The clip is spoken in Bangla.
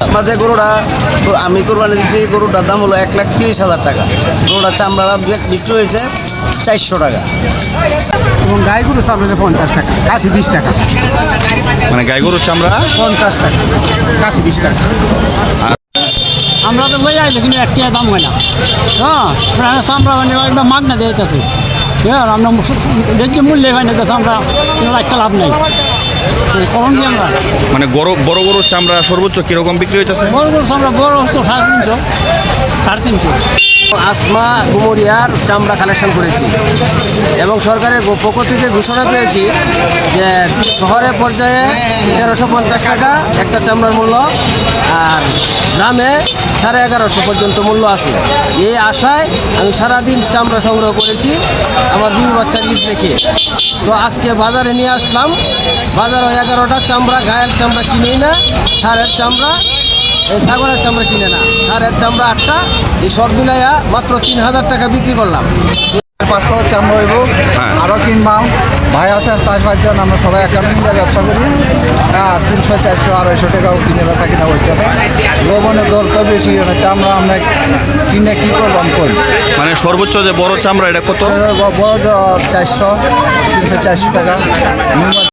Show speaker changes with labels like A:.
A: মাঝে গরুটা আমি কোরবানি দিচ্ছি, গরুটার দাম হলো 1,30,000 টাকা। গরুটার চামড়া বিক্রি হয়েছে 400 টাকা।
B: এবং গাই গরু চামড়াতে 50 টাকা, কাশি 20 টাকা।
C: মানে গাই গরুর চামড়া
B: 50 টাকা, কাশি 20 টাকা।
D: আমরা তো বই আইলে কিন্তু একটা দাম হয় না। হ্যাঁ, চামড়া মানে একবার মাগনা দিয়েছে। হ্যাঁ, আমরা দেখছি মূল্য হয় না, আমরা একটা লাভ নেই। কখন কি আমরা
C: মানে বড় গরুর চামড়া সর্বোচ্চ কিরকম বিক্রি হইতেছে?
D: বড় করছি আমরা, বড় তো 350, 350।
A: আসমা গুমরিয়ার চামড়া কালেকশন করেছি এবং সরকারের পক্ষ থেকে ঘোষণা পেয়েছি যে শহরের পর্যায়ে 1350 টাকা একটা চামড়ার মূল্য, আর গ্রামে 1150 পর্যন্ত মূল্য আছে। এই আশায় আমি সারাদিন চামড়া সংগ্রহ করেছি আমার বিবি বাচ্চার ঈদ রেখে। তো আজকে বাজারে নিয়ে আসলাম। বাজারে 11টা চামড়া, গায়ের চামড়া কিনেই না, ষাঁড়ের চামড়া, এই ছাগলের চামড়া কিনে না, ষাঁড়ের চামড়া 8টা, এই সব মিলাইয়া মাত্র 3000 টাকা বিক্রি করলাম।
E: 500 চামড়া হইব, আরও কিনবাম। ভাই আছে 4-5 জন, আমরা সবাই একাডেমি মিলে ব্যবসা করি। 300, 400, 250 টাকাও কিনে থাকি না ওইটাতে। লবণের দর তো বেশি, চামড়া আমরা কিনে কী করবাম করি।
C: মানে সর্বোচ্চ যে বড় চামড়া এটা কত?
E: বড় 400, 300, 400 টাকা।